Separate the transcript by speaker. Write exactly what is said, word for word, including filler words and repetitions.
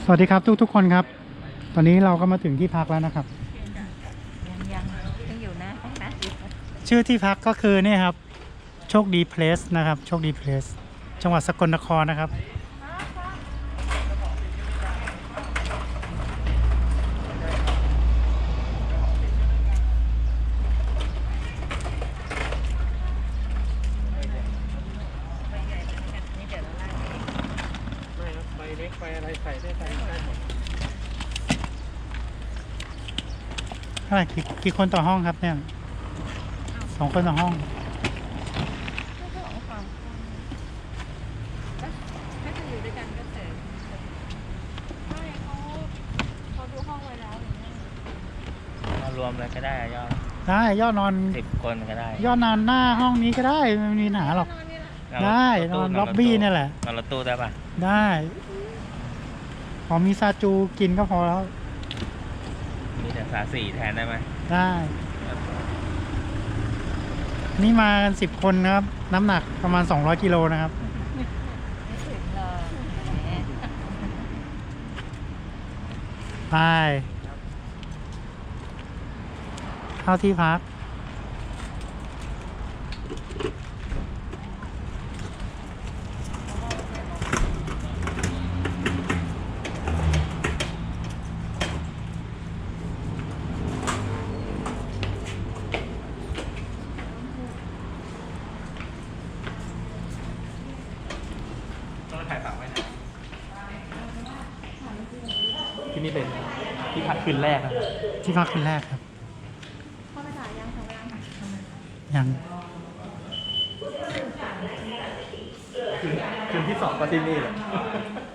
Speaker 1: สวัสดีครับทุกทุกคนครับตอนนี้เราก็มาถึงที่พักแล้วนะครับ
Speaker 2: ยังยังยังอยู่นะนะ
Speaker 1: ชื่อที่พักก็คือนี่ครับโชคดีเพลสนะครับโชคดีเพลสจังหวัดสกลนครนะครับ
Speaker 3: ใบเล็กใบอะไรใส่ได้ใส่ได้หมด
Speaker 1: เท่าไหร่กี่กี่คนต่อห้องครับเนี่ยสองคนต่อห้อง
Speaker 2: ถ้าจะอยู่ด้วยกันก็เสร็จไม่เขาเขาดูห้องไว้แล้ว
Speaker 3: มารวมเลยก็ได้ยอด
Speaker 1: ได้ยอดนอน
Speaker 3: สิบคนก็ได้
Speaker 1: ยอดนอนหน้าห้องนี้ก็ได้ไม่มีปัญหาหรอกได้นอนล็อบบี้นี่แหละ
Speaker 3: นอนรถตู้ได้ปะ
Speaker 1: ได้ขอมีซาจูกินก็พอแล้ว
Speaker 3: มีแต่สาสี่แทนได้ไหม
Speaker 1: ได้นี่มากันสิบคนนะครับน้ำหนักประมาณสองร้อยกิโลนะครับ
Speaker 2: ไม่ถึงหรอกแหม
Speaker 1: ไปเข้าที่พัก
Speaker 3: ต้องถ่ายฝากไว้นะที่นี่เป็นที่พักคืนแรกนะ
Speaker 1: ที่พักคืนแรกครับ
Speaker 2: พ่อไปถ่ายยังทำเวลา
Speaker 1: ยัง
Speaker 3: คืนคืนที่สองก็ที่นี่เลย